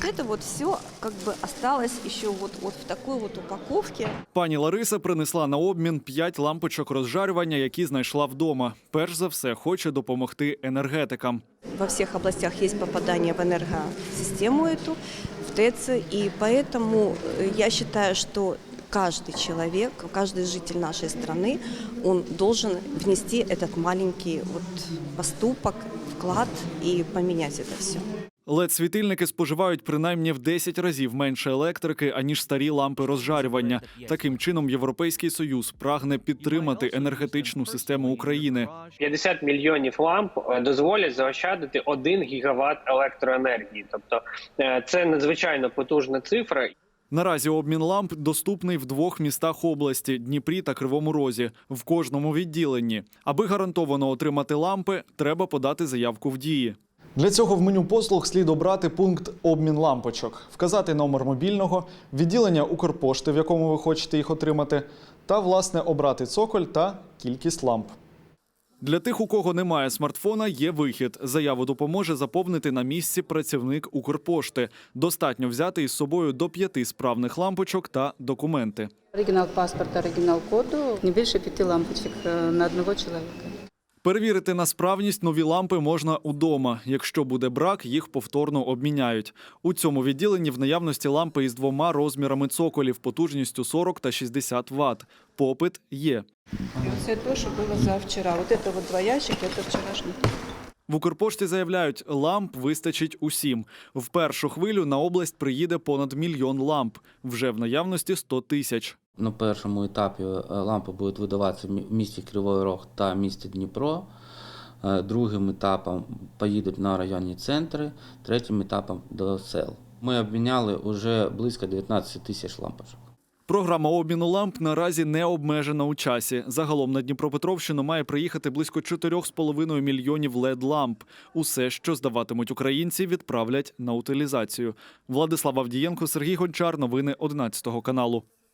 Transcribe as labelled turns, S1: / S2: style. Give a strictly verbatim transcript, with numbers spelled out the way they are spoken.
S1: это вот все как бы осталось еще вот, вот в такой вот упаковке.
S2: Пані Лариса принесла на обмін п'ять лампочок розжарювання, які знайшла вдома. Перш за все, хоче допомогти енергетикам.
S1: Во всех областях есть попадание в энергосистему эту, в ТЭЦ, и поэтому я считаю, что каждый человек, каждый житель нашей страны, он должен внести этот маленький вот поступок, вклад и поменять это все.
S2: лед-світильники споживають принаймні в десять разів менше електрики, аніж старі лампи розжарювання. Таким чином, Європейський Союз прагне підтримати енергетичну систему України.
S3: п'ятдесят мільйонів ламп дозволять заощадити один гігават електроенергії. Тобто це надзвичайно потужна цифра.
S2: Наразі обмін ламп доступний в двох містах області – Дніпрі та Кривому Розі, в кожному відділенні. Аби гарантовано отримати лампи, треба подати заявку в Дії.
S4: Для цього в меню послуг слід обрати пункт «Обмін лампочок», вказати номер мобільного, відділення Укрпошти, в якому ви хочете їх отримати, та, власне, обрати цоколь та кількість ламп.
S2: Для тих, у кого немає смартфона, є вихід. Заяву допоможе заповнити на місці працівник Укрпошти. Достатньо взяти із собою до п'яти справних лампочок та документи.
S5: Оригінал паспорта, оригінал коду, не більше п'яти лампочок на одного чоловіка.
S2: Перевірити на справність нові лампи можна удома. Якщо буде брак, їх повторно обміняють. У цьому відділенні в наявності лампи із двома розмірами цоколів потужністю сорок та шістдесят ватт. Попит є.
S5: Це те, що було завчора. Ось це два ящики, це вчорашній.
S2: В Укрпошті заявляють, ламп вистачить усім. В першу хвилю на область приїде понад мільйон ламп. Вже в наявності сто тисяч.
S6: На першому етапі лампи будуть видаватися в місті Кривий Рог та місті Дніпро. Другим етапом поїдуть на районні центри, третім етапом до сел. Ми обміняли вже близько дев'ятнадцять тисяч лампочок.
S2: Програма обміну ламп наразі не обмежена у часі. Загалом на Дніпропетровщину має приїхати близько чотирьох з половиною мільйонів лед-ламп. Усе, що здаватимуть українці, відправлять на утилізацію. Владислав Авдієнко, Сергій Гончар. Новини одинадцятого каналу.